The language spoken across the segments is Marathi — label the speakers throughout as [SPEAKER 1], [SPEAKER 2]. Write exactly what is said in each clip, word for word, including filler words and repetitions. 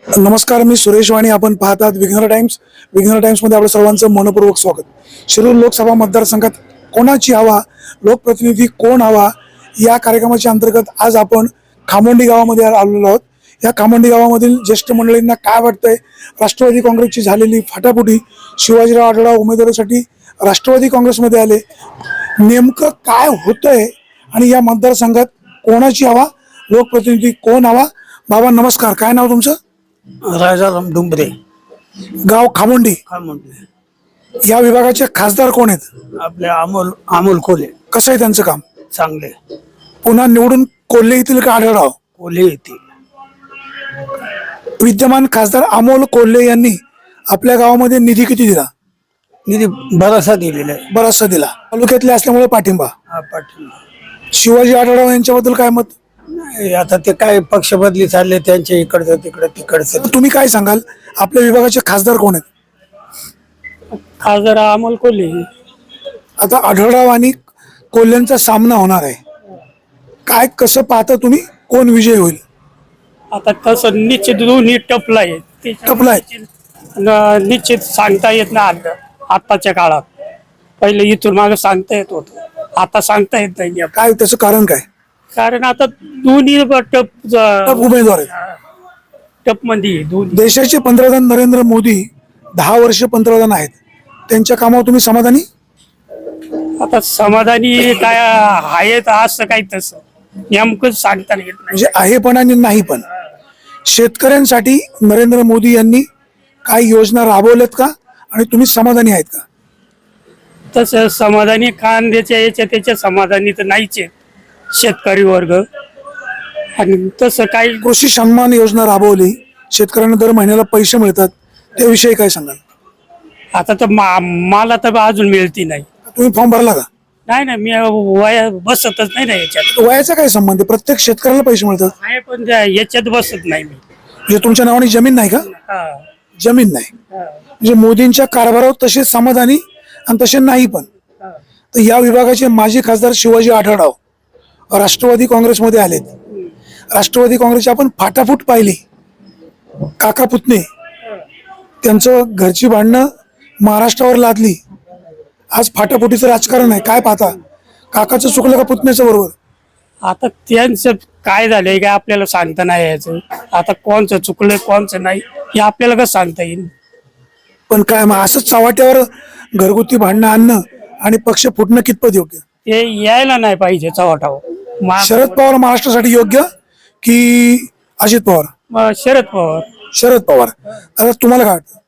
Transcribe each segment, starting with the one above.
[SPEAKER 1] नमस्कार, मी सुरेश वाणी. आपण पाहतात विघ्नर टाइम्स. विघ्नर टाइम्स मध्ये आपलं सर्वांचं मनपूर्वक स्वागत. शिरूर लोकसभा मतदारसंघात कोणाची हवा, लोकप्रतिनिधी कोण हवा, या कार्यक्रमाच्या अंतर्गत आज आपण खामोंडी गावामध्ये आलेलो आहोत. या खामोंडी गावामधील ज्येष्ठ मंडळींना काय वाटतंय, राष्ट्रवादी काँग्रेसची झालेली फाटाफुटी, शिवाजीराव आढळराव उमेदवारीसाठी राष्ट्रवादी काँग्रेसमध्ये आले, नेमकं काय होतंय आणि या मतदारसंघात कोणाची हवा, लोकप्रतिनिधी कोण हवा. बाबा नमस्कार, काय नाव तुमचं?
[SPEAKER 2] राजाराम डुंबरे,
[SPEAKER 1] गाव खामोंडी.
[SPEAKER 2] खामोंडी.
[SPEAKER 1] या विभागाचे खासदार कोण आहेत?
[SPEAKER 2] आपले अमोल अमोल कोल्हे.
[SPEAKER 1] कसं आहे त्यांचं काम?
[SPEAKER 2] चांगले.
[SPEAKER 1] पुन्हा निवडून कोल्हे येतील का आढळराव?
[SPEAKER 2] कोल्हे येते.
[SPEAKER 1] विद्यमान खासदार अमोल कोल्हे यांनी आपल्या गावामध्ये निधी किती दिला?
[SPEAKER 2] निधी बराचसा दिलेला आहे.
[SPEAKER 1] बराचसा दिला. तालुक्यातले असल्यामुळे पाठिंबा.
[SPEAKER 2] हा, पाटील.
[SPEAKER 1] शिवाजी आढळराव यांच्याबद्दल काय मत?
[SPEAKER 2] नाही, आता ते काय पक्ष बदली चालले त्यांच्या इकडचं तिकडं तिकडचं.
[SPEAKER 1] तुम्ही काय सांगाल, आपल्या विभागाचे खासदार कोण आहेत?
[SPEAKER 2] खासदार अमोल कोल्हे.
[SPEAKER 1] आता आढळराव आणि कोल्ह्यांचा सामना होणार आहे. काय कसं पाहता तुम्ही, कोण विजय होईल?
[SPEAKER 3] आता तसं निश्चित दोन्ही टपला आहे.
[SPEAKER 1] टपला आहे.
[SPEAKER 3] न- निश्चित सांगता येत नाही आताच्या काळात. पहिले इथून मागे सांगता येत होत, आता सांगता येत नाही.
[SPEAKER 1] काय त्याचं कारण काय?
[SPEAKER 3] कारण आता दोन्ही ब- टप
[SPEAKER 1] टप उमेदवार आहेत.
[SPEAKER 3] टप मध्ये दोन्ही.
[SPEAKER 1] देशाचे पंतप्रधान नरेंद्र मोदी दहा वर्ष पंतप्रधान आहेत. त्यांच्या कामावर तुम्ही समाधानी?
[SPEAKER 3] आता समाधानी काय आहेत असं काही तसं नेमकं सांगता येत नाही.
[SPEAKER 1] म्हणजे आहे पण आणि नाही पण. शेतकऱ्यांसाठी नरेंद्र मोदी यांनी काही योजना राबवल्यात का आणि तुम्ही समाधानी आहेत का?
[SPEAKER 3] तसं समाधानी कांद्याच्या याच्या त्याच्या समाधानी तर नाहीच आहेत शेतकरी वर्ग. आणि तसं काही
[SPEAKER 1] कृषी सन्मान योजना राबवली, शेतकऱ्यांना दर महिन्याला पैसे मिळतात, त्याविषयी काय सांगाल?
[SPEAKER 3] आता तर मा- मला तर अजून मिळती नाही.
[SPEAKER 1] तुम्ही फॉर्म भरला का?
[SPEAKER 3] नाही ना, मी वया बसतच नाही ना याच्यात.
[SPEAKER 1] वयाचा काय संबंध आहे? प्रत्येक शेतकऱ्याला पैसे मिळतात.
[SPEAKER 3] आहे पण त्या याच्यात बसत नाही मी.
[SPEAKER 1] म्हणजे तुमच्या नावाने जमीन नाही का?
[SPEAKER 3] हा,
[SPEAKER 1] जमीन नाही
[SPEAKER 3] हा,
[SPEAKER 1] म्हणजे मोदींच्या कारभारावर तसे समाधानी आणि तसे नाही पण.
[SPEAKER 3] हा.
[SPEAKER 1] तर या विभागाचे माजी खासदार शिवाजी आढळराव राष्ट्रवादी काँग्रेसमध्ये आलेत. राष्ट्रवादी काँग्रेसची आपण फाटाफूट पाहिली. काका पुतणे त्यांचं घरची भांडणं महाराष्ट्रावर लादली. आज फाटाफुटीचं राजकारण आहे. काय पाहता, काकाचं चुकलं का पुतण्याचं बरोबर?
[SPEAKER 3] आता त्यांचं काय झालंय काय आपल्याला सांगता नाही यायचं. आता कोणचं चुकलंय कोणचं नाही हे आपल्याला कसं सांगता येईल?
[SPEAKER 1] पण काय मग असंच चव्हाट्यावर घरगुती भांडणं आणणं आणि पक्ष फुटणं कितपत योग्य?
[SPEAKER 3] ते यायला नाही पाहिजे चव्हाटावर.
[SPEAKER 1] शरद पवार महाराष्ट्रासाठी योग्य की अजित पवार?
[SPEAKER 3] मग शरद पवार.
[SPEAKER 1] शरद पवार. आता तुम्हाला काय वाटतं?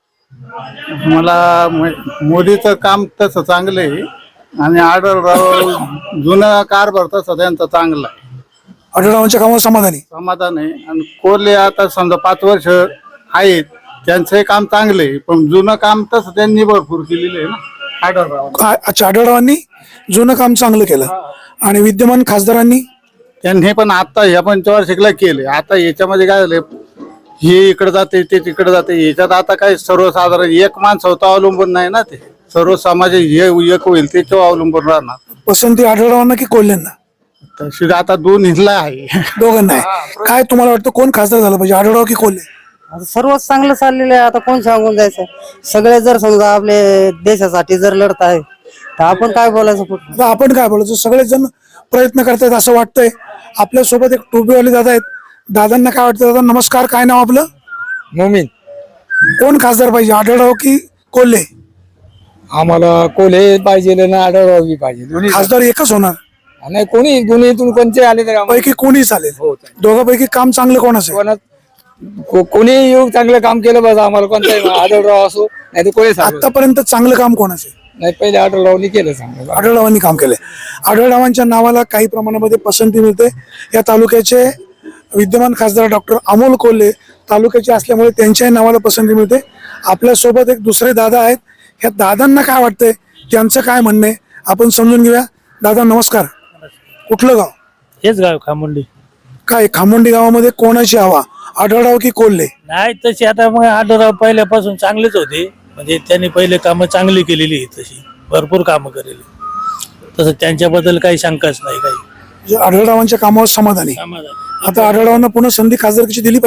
[SPEAKER 4] मला म- मोदीचं काम तसं चांगलं आहे आणि आढळराव जुना कारभार तसा त्यांचा चांगला आहे,
[SPEAKER 1] आढळरावांच्या कामावर समाधानी?
[SPEAKER 4] समाधान आहे. आणि कोल्हे आता समजा पाच वर्ष आहेत, त्यांचंही काम चांगलं आहे, पण जुनं काम तसं त्यांनी भरपूर केलेलं आहे ना आढळराव.
[SPEAKER 1] काय- अच्छा, आढळरावांनी जुनं काम चांगलं केलं आणि विद्यमान खासदारांनी?
[SPEAKER 4] त्यांनी पण आता ह्या पंचवार्षिकला केले. आता याच्यामध्ये काय झालंय, हे इकडे जाते ते तिकडे जाते. याच्यात आता काय सर्वसाधारण एक माणसावर अवलंबून नाही ना, ते सर्व समाज हे एक होईल त्याच्यावर अवलंबून राहणार.
[SPEAKER 1] पसंती आढळरावांना की कोल्हेंना?
[SPEAKER 4] तशी आता दोन हिला आहे.
[SPEAKER 1] दोघांना आहे. काय तुम्हाला वाटतं, कोण खासदार झालं पाहिजे, आढळराव की कोल्हे?
[SPEAKER 5] आता सर्वच चांगलं चाललेलं आहे. आता कोण सांगून जायचं? सगळे जर समजा आपले देशासाठी जर लढत आहे तर आपण काय बोलायचं पुढे?
[SPEAKER 1] आता आपण काय बोलायचं, सगळेच जण प्रयत्न करतायत असं वाटतंय. आपल्या सोबत एक टोपीवाले दादा आहेत. दादांना काय वाटतं? दादा नमस्कार, काय नाव आपलं?
[SPEAKER 6] मोमीन.
[SPEAKER 1] कोण खासदार पाहिजे, आढळराव की कोल्हे?
[SPEAKER 6] आम्हाला कोल्हे पाहिजे ना आढळराव बी पाहिजे. दोन्ही
[SPEAKER 1] खासदार एकच होणार
[SPEAKER 6] नाही, कोणी दोन्हीतून कोणते आले तर आम्हाला-
[SPEAKER 1] पैकी कोणी चालेल? दोघांपैकी काम चांगलं कोण असेल?
[SPEAKER 6] कोणा- को- कोणी येऊ चांगलं काम केलं बस आम्हाला कोणताही आढळराव असो नाही तर कोणी सांगू.
[SPEAKER 1] आतापर्यंत चांगलं काम कोण असेल?
[SPEAKER 6] नाही, पहिले आढळरावनी केलं चांगलं.
[SPEAKER 1] आढळरावांनी काम केलंय. आढळरावांच्या नावाला काही प्रमाणामध्ये पसंती मिळते. या तालुक्याचे विद्यमान खासदार डॉक्टर अमोल कोल्हे तालुक्याचे असल्यामुळे त्यांच्याही नावाला पसंती मिळते. आपल्यासोबत एक दुसरे दादा आहेत. ह्या दादांना काय वाटतंय, त्यांचं काय म्हणणं आहे आपण समजून घेऊया. दादा नमस्कार, कुठलं गाव?
[SPEAKER 7] हेच गाव खामोंडी.
[SPEAKER 1] काय खामोंडी गावामध्ये कोणाची हवा, आढळराव की कोल्हे?
[SPEAKER 7] नाही तशी आता मग आढळराव पहिल्यापासून चांगलेच होते. म्हणजे त्यांनी पहिले कामं चांगली केलेली आहे, तशी भरपूर कामं केलेली. तसं त्यांच्याबद्दल काही शंकाच नाही काही.
[SPEAKER 1] म्हणजे आढळरावांच्या कामावर समाधानी.
[SPEAKER 7] समाधान.
[SPEAKER 1] आता आढळरावांना पुन्हा संधी खासदारकीची दिली पाहिजे.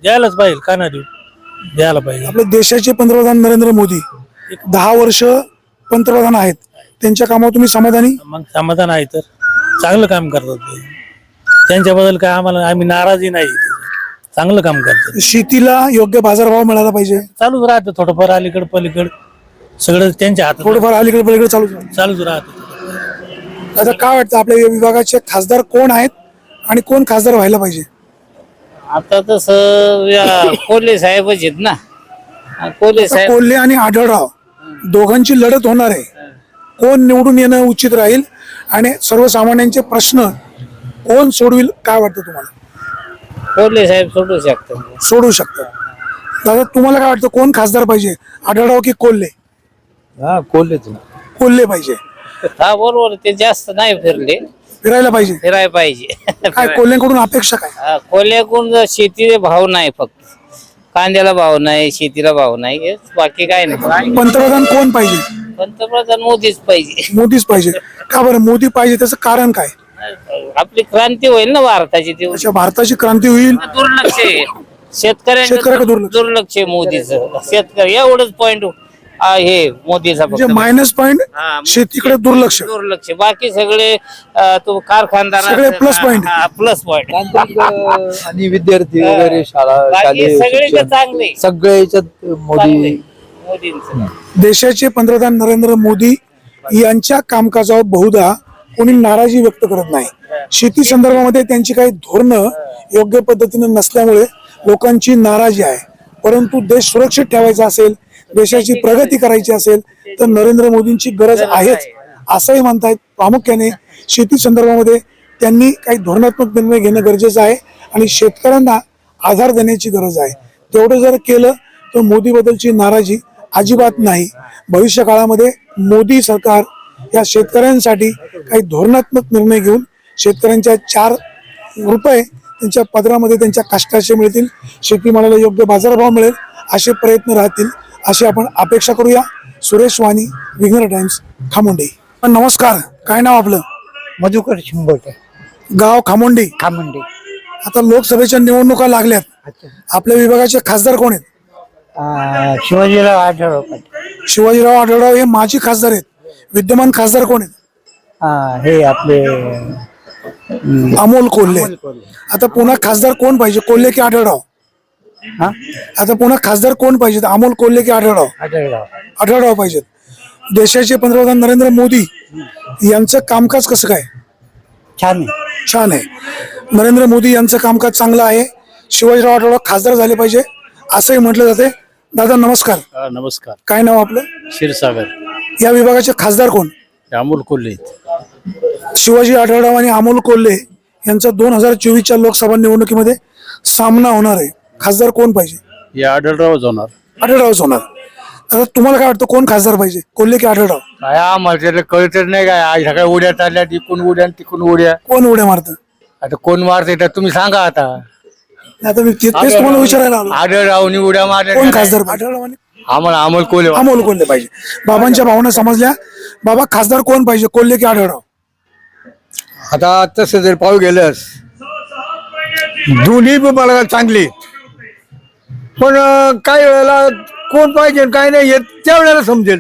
[SPEAKER 7] द्यायलाच पाहिजे, का नाही देऊ, द्यायला पाहिजे.
[SPEAKER 1] आपल्या देशाचे पंतप्रधान नरेंद्र मोदी दहा वर्ष पंतप्रधान आहेत, त्यांच्या कामावर तुम्ही समाधानी?
[SPEAKER 7] मग समाधान आहे तर चांगलं काम करतात ते, त्यांच्याबद्दल काय आम्हाला आम्ही नाराजी नाही, चांगलं काम करतात.
[SPEAKER 1] शेतीला योग्य बाजारभाव मिळाला पाहिजे,
[SPEAKER 7] चालूच राहतं थोडंफार अलीकड पलीकड सगळं त्यांच्या हातात
[SPEAKER 1] थोडंफार अलीकडे पलीकडे चालू आहे.
[SPEAKER 7] चालूच राहतं.
[SPEAKER 1] आता काय वाटतं आपल्या या विभागाचे खासदार कोण आहेत आणि कोण खासदार व्हायला पाहिजे?
[SPEAKER 8] आता तसं या कोल्हे साहेबच आहेत ना. कोल्हे
[SPEAKER 1] आता
[SPEAKER 8] साहेब
[SPEAKER 1] कोल्हे आणि आढळराव दोघांची लढत होणार आहे. कोण निवडून येणं उचित राहील आणि सर्वसामान्यांचे प्रश्न कोण सोडविल काय वाटतं तुम्हाला?
[SPEAKER 8] कोल्हे साहेब सोडू शकतात.
[SPEAKER 1] सोडू शकतात. दादा तुम्हाला काय वाटतं कोण खासदार पाहिजे, आढळराव की कोल्हे?
[SPEAKER 6] हा कोल्हेच
[SPEAKER 1] कोल्हे पाहिजे.
[SPEAKER 8] हा बरोबर, ते जास्त नाही फिरले,
[SPEAKER 1] फिरायला पाहिजे.
[SPEAKER 8] फिरायला पाहिजे.
[SPEAKER 1] काय कोल्हेकडून अपेक्षा काय?
[SPEAKER 8] हा, कोल्ह्याकडून शेतीला भाव नाही, फक्त कांद्याला भाव नाही, शेतीला भाव नाही, हेच, बाकी काय नाही.
[SPEAKER 1] पंतप्रधान कोण पाहिजे?
[SPEAKER 8] पंतप्रधान मोदीच पाहिजे.
[SPEAKER 1] मोदीच पाहिजे. का बरं मोदी पाहिजे त्याचं कारण काय?
[SPEAKER 8] आपली क्रांती होईल ना भारताची. ती
[SPEAKER 1] अच्छा भारताची क्रांती होईल.
[SPEAKER 8] दुर्लक्ष आहे शेतकऱ्यांचं,
[SPEAKER 1] शेतकऱ्याकडे दुर्लक्ष.
[SPEAKER 8] दुर्लक्ष आहे मोदीचं. शेतकरी एवढंच पॉइंट हे मोदीचा
[SPEAKER 1] म्हणजे
[SPEAKER 8] फक्त.
[SPEAKER 1] मायनस पॉइंट
[SPEAKER 8] हा,
[SPEAKER 1] शेतीकडे दुर्लक्ष.
[SPEAKER 8] दुर्लक्ष. बाकी सगळे अं, तो कारखानदार
[SPEAKER 1] सगळे plus point.
[SPEAKER 8] Plus point.
[SPEAKER 6] आणि विद्यार्थी वगैरे शाळा
[SPEAKER 8] बाकी
[SPEAKER 6] शालेय
[SPEAKER 8] सगळे
[SPEAKER 6] शिक्षण,
[SPEAKER 8] चांगले
[SPEAKER 6] सगळ्या याच्यात मोदी
[SPEAKER 8] मोदींचं.
[SPEAKER 1] देशाचे पंतप्रधान नरेंद्र मोदी यांच्या कामकाजावर बहुधा कोणी नाराजी व्यक्त करत नाही. शेती संदर्भामध्ये त्यांची काही धोरणं योग्य पद्धतीने नसल्यामुळे लोकांची नाराजी आहे. परंतु देश सुरक्षित ठेवायचा असेल, देशाची प्रगती करायची असेल तर नरेंद्र मोदींची गरज आहेच असंही म्हणतायत. प्रामुख्याने शेती संदर्भामध्ये त्यांनी काही धोरणात्मक निर्णय घेणं गरजेचं आहे आणि शेतकऱ्यांना आधार देण्याची गरज आहे. तेवढं जर केलं तर मोदीबद्दलची नाराजी अजिबात नाही. भविष्य काळामध्ये मोदी सरकार या शेतकऱ्यांसाठी काही धोरणात्मक निर्णय घेऊन शेतकऱ्यांच्या चार रुपये त्यांच्या पदरामध्ये त्यांच्या कष्टाचे मिळतील, शेतीमालाला योग्य बाजारभाव मिळेल असे प्रयत्न राहतील अशी आपण अपेक्षा करूया. सुरेश वाणी, विघ्नर टाइम्स, खामोंडी. नमस्कार, काय नाव आपलं?
[SPEAKER 2] मधुकर शिंबोटे,
[SPEAKER 1] गाव खामोंडी.
[SPEAKER 2] खामंडी.
[SPEAKER 1] आता लोकसभेच्या निवडणुका लागल्यात, आपल्या विभागाचे खासदार कोण आहेत?
[SPEAKER 2] शिवाजीराव आढळराव
[SPEAKER 1] शिवाजीराव आढळराव हे माजी खासदार आहेत. विद्यमान खासदार कोण आहेत?
[SPEAKER 2] हे आपले
[SPEAKER 1] अमोल कोल्हे. आता पुन्हा खासदार कोण पाहिजे, कोल्हे की आढळराव? आता पुन्हा खासदार कोण पाहिजे, अमोल कोल्हे की आढळराव?
[SPEAKER 2] आढळराव.
[SPEAKER 1] आढळराव पाहिजेत. देशाचे पंतप्रधान नरेंद्र मोदी यांचं कामकाज कसं काय?
[SPEAKER 2] छान आहे.
[SPEAKER 1] छान आहे. नरेंद्र मोदी यांचं कामकाज चांगलं आहे. शिवाजीराव आढळराव खासदार झाले पाहिजे असंही म्हटलं जाते. दादा नमस्कार,
[SPEAKER 9] नमस्कार.
[SPEAKER 1] काय नाव आपलं?
[SPEAKER 9] क्षीरसागर.
[SPEAKER 1] या विभागाचे खासदार कोण?
[SPEAKER 9] अमोल कोल्हे.
[SPEAKER 1] शिवाजी आढळराव आणि अमोल कोल्हे यांचा दोन हजार चोवीसच्या लोकसभा निवडणुकीमध्ये सामना होणार आहे. खासदार कोण पाहिजे?
[SPEAKER 9] हे आढळरावच होणार.
[SPEAKER 1] आढळरावच होणार. आता तुम्हाला काय वाटतं कोण खासदार पाहिजे, कोल्हे की आढळराव?
[SPEAKER 4] काय आम्हाला कळतच नाही काय. आज सकाळी उड्या चालल्या, तिकून उड्या तिकून उड्या.
[SPEAKER 1] कोण उड्या मारतं?
[SPEAKER 4] आता कोण मारते तर तुम्ही सांगा. आता
[SPEAKER 1] आता मी ते- तेच तुम्हाला विचारायला आलो.
[SPEAKER 4] आढळरावनी उड्या मारल्या.
[SPEAKER 1] कोण खासदार पाहिजे? आढळराव आणि
[SPEAKER 4] आम्हाला अमोल कोल्हे.
[SPEAKER 1] अमोल कोल्हे पाहिजे. बाबांच्या भावना समजल्या. बाबा खासदार कोण पाहिजे, कोल्हे की आढळराव?
[SPEAKER 2] आता तसं जर पाहू गेलंस दोन्ही पण मला चांगली, पण अं, काही वेळेला कोण पाहिजे काय नाही हे त्यावेळेला समजेल.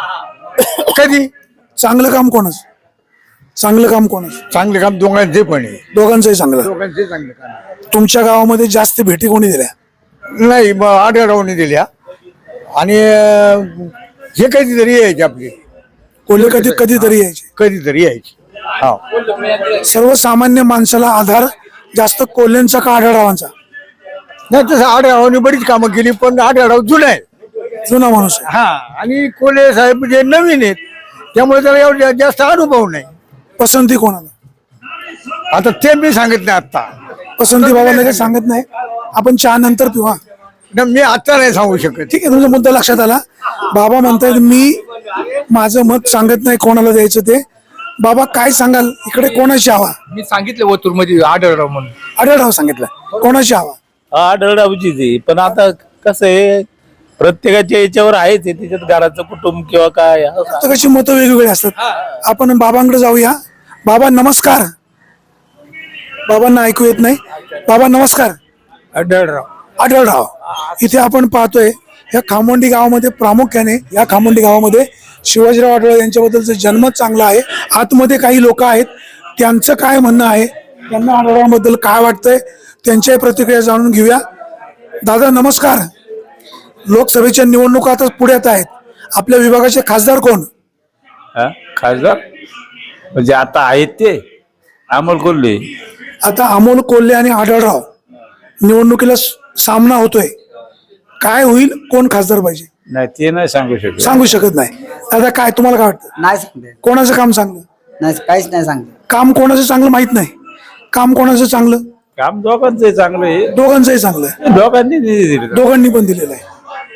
[SPEAKER 2] कधी
[SPEAKER 1] चांगलं काम कोणच? चांगलं काम कोणच?
[SPEAKER 2] चांगले काम दोघांचे पण आहे.
[SPEAKER 1] दोघांचंही चांगलं.
[SPEAKER 2] दोघांचे चांगले काम
[SPEAKER 1] तुमच्या गावामध्ये जास्त भेटी कोणी दिल्या?
[SPEAKER 2] नाही. मग आढळरावनी दिल्या आणि अं, हे कधीतरी यायचे आपले,
[SPEAKER 1] कोल्हे कधी कधीतरी यायचे.
[SPEAKER 2] कधीतरी यायचे. हा.
[SPEAKER 1] सर्वसामान्य माणसाला आधार जास्त कोल्हेंचा का आढळरावांचा?
[SPEAKER 2] नाही तसं आढळरावनी बरीच कामं केली, पण आढळराव जुना आहे.
[SPEAKER 1] जुना माणूस आहे.
[SPEAKER 2] हा. आणि कोल्हे साहेब जे नवीन आहेत त्यामुळे त्याला एवढा जास्त अनुभव नाही.
[SPEAKER 1] पसंती कोणाला?
[SPEAKER 2] आता ते मी सांगितलं आता.
[SPEAKER 1] पसंती बाबा लगेच सांगत नाही, आपण चहा नंतर पिऊ. हा
[SPEAKER 2] न मी आता नाही सांगू शकत.
[SPEAKER 1] ठीक आहे, तुमचा मुद्दा लक्षात आला. बाबा म्हणतायत मी माझं मत सांगत नाही कोणाला द्यायचं ते. बाबा काय सांगाल, इकडे कोणाची हवा?
[SPEAKER 6] मी सांगितलं ओतूर मध्ये आढळराव म्हणून.
[SPEAKER 1] आढळराव सांगितलं. कोणाची हवा?
[SPEAKER 7] आढळरावचीच आहे, पण आता कसं आहे प्रत्येकाच्या याच्यावर आहेच आहे, त्याच्यात घराचं कुटुंब किंवा काय
[SPEAKER 1] प्रत्येकाची मतं वेगवेगळी असतात. आपण बाबांकडे जाऊया. बाबा नमस्कार. बाबांना ऐकू येत नाही. बाबा नमस्कार.
[SPEAKER 2] आढळराव.
[SPEAKER 1] आढळराव इथे आपण पाहतोय या खामोंडी गावामध्ये प्रामुख्याने या खामोंडी गावामध्ये शिवाजीराव आढळराव यांच्याबद्दलचं जन्मच चांगला आहे. आतमध्ये काही लोक आहेत, त्यांचं काय म्हणणं आहे, त्यांना आढळरावांबद्दल काय वाटतंय त्यांच्याही प्रतिक्रिया जाणून घेऊया. दादा नमस्कार. लोकसभेच्या निवडणुका आता पुढ्यात आहेत, आपल्या विभागाचे खासदार कोण?
[SPEAKER 9] हा? खासदार म्हणजे आता आहेत ते अमोल कोल्हे.
[SPEAKER 1] आता अमोल कोल्हे आणि आढळराव निवडणुकीला स- सामना होतोय, काय होईल, कोण खासदार पाहिजे
[SPEAKER 9] नाही ते नाही सांगू शकत.
[SPEAKER 1] सांगू शकत नाही. दादा काय तुम्हाला काय वाटतं,
[SPEAKER 5] नाही सांगते,
[SPEAKER 1] कोणाचं काम चांगलं?
[SPEAKER 5] नाही काहीच नाही सांगते.
[SPEAKER 1] काम कोणाचं चांगलं माहित नाही, काम कोणाचं चांगलं?
[SPEAKER 9] काम दोघांचं चांगलं आहे,
[SPEAKER 1] दोघांचंही चांगलं आहे,
[SPEAKER 9] दोघांनी निधी दिला.
[SPEAKER 1] दोघांनी पण दिलेलं आहे.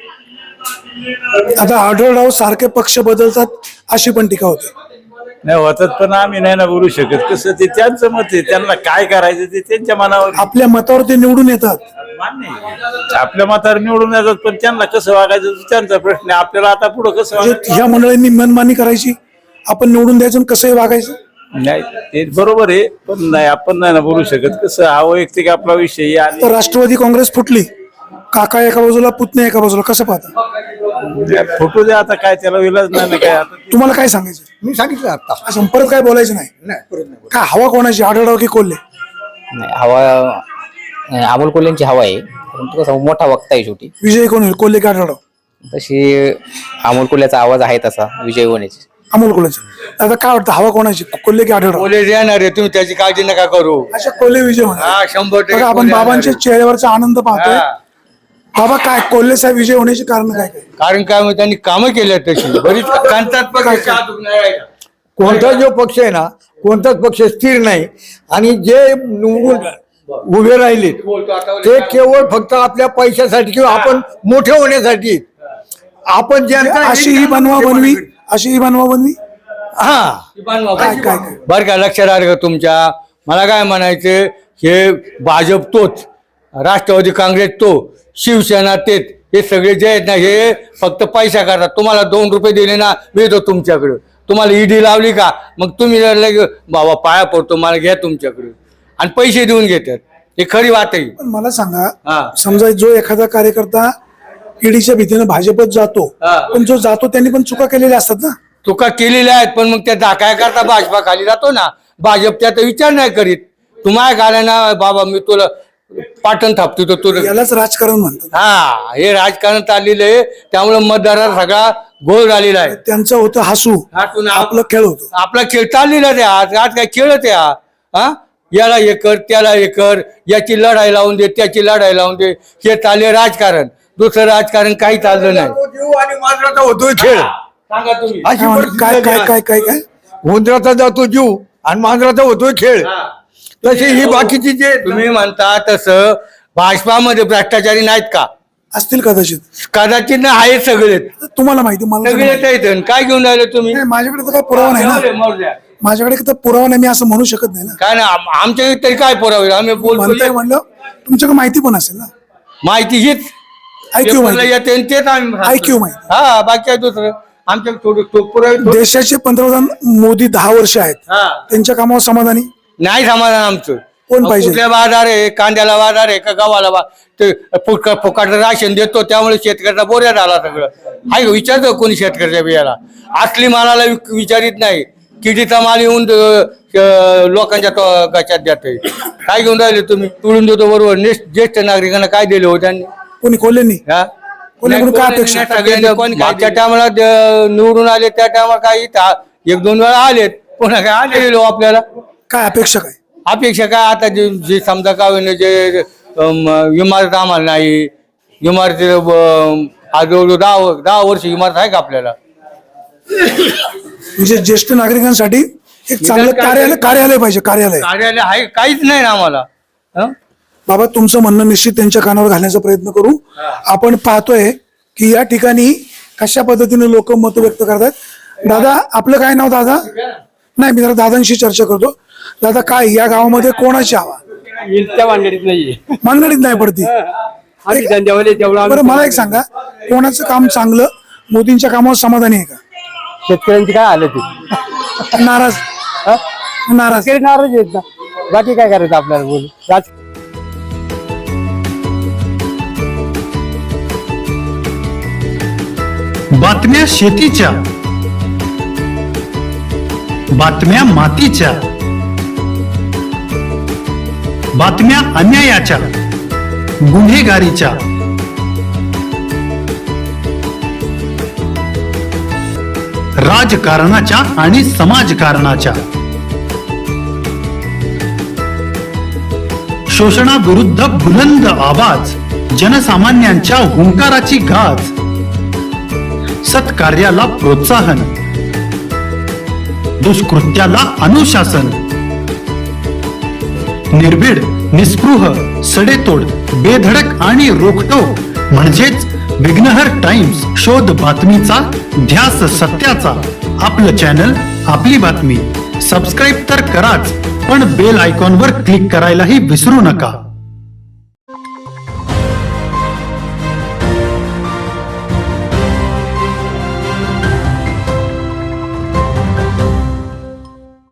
[SPEAKER 1] आता आढळराव सारखे पक्ष बदलतात अशी पण टीका होते.
[SPEAKER 9] नाही होतात पण आम्ही नाही ना बोलू शकत. कसं ते त्यांचं मत आहे, त्यांना काय करायचं ते त्यांच्या मनावर
[SPEAKER 1] आपल्या मतावर ते निवडून येतात.
[SPEAKER 9] मान्य आहे. आपल्या मतावर निवडून येतात पण त्यांना कसं वागायचं तो त्यांचा प्रश्न आहे. आपल्याला आता पुढं कसं
[SPEAKER 1] म्हणजे
[SPEAKER 9] वागायचं
[SPEAKER 1] ह्या मंडळींनी मनमानी करायची, आपण निवडून द्यायचं आणि कसंही वागायचं.
[SPEAKER 9] नाही ते बरोबर आहे पण नाही आपण नाही ना बोलू शकत. कसं हा वैयक्तिक आपला विषय आहे आणि
[SPEAKER 1] तर राष्ट्रवादी काँग्रेस फुटली, काका एका बाजूला पुतणे एका बाजूला, कसं पाहता?
[SPEAKER 9] फोटो द्या आता काय त्याला विलाज नाही ना काय आता.
[SPEAKER 1] तुम्हाला काय सांगायचं?
[SPEAKER 2] मी सांगितलं आता.
[SPEAKER 1] असं परत काय बोलायचं नाही.
[SPEAKER 2] नाही परत नाही.
[SPEAKER 1] काय हवा कोणाची, आढळराव की कोल्हे?
[SPEAKER 10] नाही हवा अमोल कोल्हेंची हवा आहे, परंतु कसं मोठा वक्ता आहे शेवटी.
[SPEAKER 1] विजय कोण होईल, कोल्हे की आढळराव?
[SPEAKER 10] तशी अमोल कोल्ह्याचा आवाज आहे तसा विजय होण्याची.
[SPEAKER 1] अमोल कोल्हेचं. आता काय वाटतं हवा कोणाची, कोल्हे की आढळराव?
[SPEAKER 2] कोल्हे येणार आहे, तुम्ही त्याची काळजी नका करू.
[SPEAKER 1] अशा कोल्हे विजय होणार.
[SPEAKER 2] हा शंभर टक्के
[SPEAKER 1] बघा आपण
[SPEAKER 2] कोल्हे
[SPEAKER 1] बाबांच्या
[SPEAKER 2] येणार
[SPEAKER 1] चेहऱ्यावरचा आनंद पाहतोय.
[SPEAKER 2] आहे. हा.
[SPEAKER 1] बाबा काय कोल्हे साहेब विजय होण्याची कारण काय काय?
[SPEAKER 2] कारण काय म्हणजे त्यांनी कामं केली तशी बरीच कांतात कोणता जो पक्ष आहे ना, कोणताच पक्ष स्थिर नाही आणि जे निवडून उभे राहिले ते केवळ फक्त आपल्या पैशासाठी किंवा आपण मोठे होण्यासाठी. आपण जनता
[SPEAKER 1] अशी ही बनवा बनवी, अशी ही बनवा बनवी.
[SPEAKER 2] हा
[SPEAKER 1] काय काय काय
[SPEAKER 2] बर का, लक्षात आलं का तुमच्या? मला काय म्हणायचं, हे भाजप तोच, राष्ट्रवादी काँग्रेस तो, शिवसेना तेच, हे सगळे जे आहेत ना हे फक्त पैसा करतात. तुम्हाला दोन रुपये दिले ना मी येतो तुमच्याकडे, तुम्हाला ईडी लावली का मग तुम्ही लगे बाबा पाया पडतो मला घ्या तुमच्याकडे आणि पैसे देऊन घेतात. हे खरी बात आहे.
[SPEAKER 1] पण मला सांगा,
[SPEAKER 2] हा.
[SPEAKER 1] समजा जो एखादा कार्यकर्ता ईडीच्या भीतीनं भाजपत जातो,
[SPEAKER 2] हा.
[SPEAKER 1] पण जो जातो त्यांनी पण चुका केलेल्या असतात ना.
[SPEAKER 2] चुका केलेल्या आहेत पण मग त्या दाखया करता भाजपा खाली जातो ना, भाजप त्याचा विचार नाही करीत. तुम्हाला काय ना बाबा मी तुला पाटण थापतो तर तुला.
[SPEAKER 1] यालाच राजकारण म्हणतात.
[SPEAKER 2] हा हे राजकारण चाललेलं आहे, त्यामुळे मतदारात सगळा गोळ झालेला आहे.
[SPEAKER 1] त्यांचं होतं हसू,
[SPEAKER 2] हसून आप-
[SPEAKER 1] आपलं खेळ होतो.
[SPEAKER 2] आपला खेळ चाललेला आहे. आज आज काय खेळत आहे हा? हा याला हे कर त्याला हे कर, याची लढाई लावून दे त्याची लढाई लावून दे, हे चालले राजकारण. दुसरं राजकारण काही चाललं नाही.
[SPEAKER 6] आणि मांजराचा होतोय खेळ.
[SPEAKER 2] सांगा तुम्ही.
[SPEAKER 6] अशी
[SPEAKER 1] काय
[SPEAKER 6] परिस्थिती
[SPEAKER 1] काय काय
[SPEAKER 6] आहे.
[SPEAKER 1] काय काय काय
[SPEAKER 6] उंदराचा जातो जीव आणि मांजराचा होतोय खेळ. तशी ही बाकीची जे
[SPEAKER 2] तुम्ही म्हणता तसं भाजपामध्ये भ्रष्टाचारी नाहीत का?
[SPEAKER 1] असतील कदाचित,
[SPEAKER 2] कदाचित ना आहेत सगळे,
[SPEAKER 1] तुम्हाला माहिती, मला नाही
[SPEAKER 2] सगळे
[SPEAKER 1] माहिती.
[SPEAKER 2] आहेत. काय घेऊन राहिले तुम्ही?
[SPEAKER 1] नाही, माझ्याकडे तर काय पुरावा नाही ना,
[SPEAKER 2] मरू
[SPEAKER 1] माझ्याकडे तर पुरावा नाही, मी असं म्हणू शकत नाही ना.
[SPEAKER 2] काय ना आमच्या इथे तरी काय पुरावे आम्ही
[SPEAKER 1] म्हणताय
[SPEAKER 2] बोलतो.
[SPEAKER 1] म्हणलं तुमच्याकडे माहिती पण असेल ना.
[SPEAKER 2] माहिती हीच
[SPEAKER 1] ऐक्यू
[SPEAKER 2] पेपरला
[SPEAKER 1] माहिती,
[SPEAKER 2] येते आणि तेच आम्ही सांगतो.
[SPEAKER 1] ऐक्यू माहिती.
[SPEAKER 2] हा बाकी आहे दुसरं आमच्या थोडं तो पुरावे थोडे-
[SPEAKER 1] देशाचे पंतप्रधान मोदी दहा वर्ष आहेत,
[SPEAKER 2] हा.
[SPEAKER 1] त्यांच्या कामावर समाधानी
[SPEAKER 2] नाही समाधान आमचं.
[SPEAKER 1] कोण पाहिजे?
[SPEAKER 2] कुठल्या बाजार आहे, कांद्याला बाजार आहे का गव्हाला बा ते फुक फुकाट राशन देतो त्यामुळे शेतकऱ्याचा बोऱ्या झाला सगळं. आहे विचारतो कोणी शेतकऱ्याच्या बियाला? असली मालाला विक- विचारित नाही, किडीचा माल येऊन अं, लोकांच्या तो- गच्यात देतोय. काय घेऊन राहिले तुम्ही? तुळून देतो बरोबर. नेस- ज्येष्ठ नागरिकांना काय दिले हो त्यांनी?
[SPEAKER 1] कोणी कोल्हेंनी?
[SPEAKER 2] हा?
[SPEAKER 1] कोणाकडून काय अपेक्षा?
[SPEAKER 2] मागच्या टायमाला निवडून आले त्या टायमाला काय इथं एक दोन वेळा आलेत, पुन्हा काय आले आपल्याला?
[SPEAKER 1] काय अपेक्षा काय?
[SPEAKER 2] अपेक्षा काय आता जे जे समजा का होईना जे अम, इमारत आम्हाला नाही, इमारती अम, आज जवळजवळ दहा व- दहा वर्ष इमारत आहे का आपल्याला?
[SPEAKER 1] म्हणजे ज्येष्ठ नागरिकांसाठी एक चांगलं कार्यालय कार्यालय पाहिजे, कार्यालय.
[SPEAKER 2] कार्यालय आहे काहीच नाही ना आम्हाला. हं?
[SPEAKER 1] बाबा तुमचं म्हणणं निश्चित त्यांच्या कानावर घालण्याचा प्रयत्न करू. आपण पाहतोय की या ठिकाणी कशा पद्धतीने लोक मत व्यक्त करतात. दादा आपलं काय नाव दादा? नाही, मी जरा दादांशी चर्चा करतो. दादा काय या गावामध्ये कोणाची हवा?
[SPEAKER 3] त्या भानगडीत नाहीये.
[SPEAKER 1] मानगडीत नाही पडती.
[SPEAKER 3] आम्ही धंद्यावाले तेवढा
[SPEAKER 1] बरं मला एक सांगा, कोणाचं काम चांगलं, मोदींच्या कामावर समाधानी आहे का?
[SPEAKER 3] शेतकऱ्यांची काय आलं ते
[SPEAKER 1] नाराज? नाराज
[SPEAKER 3] नाराज आहेत ना, बाकी काय करायचं आपल्याला बोलू. राज
[SPEAKER 11] बातम्या शेतीच्या, बातम्या मातीच्या, बातम्या अन्यायाच्या, गुन्हेगारीच्या, राजकारणाच्या आणि समाजकारणाच्या, शोषणाविरुद्ध बुलंद आवाज, जनसामान्यांच्या हुंकाराची गाज, सत्कार्याला प्रोत्साहन, दुष्कृत्याला अनुशासन, निर्भीड, निस्पृह, सडेतोड, बेधडक आणि रोखटोक म्हणजेच विघ्नहर टाइम्स. शोध बातमीचा, ध्यास सत्याचा. आपलं चॅनल, आपली बातमी. सबस्क्राईब तर कराच, पण बेल आयकॉनवर क्लिक करायलाही विसरू नका.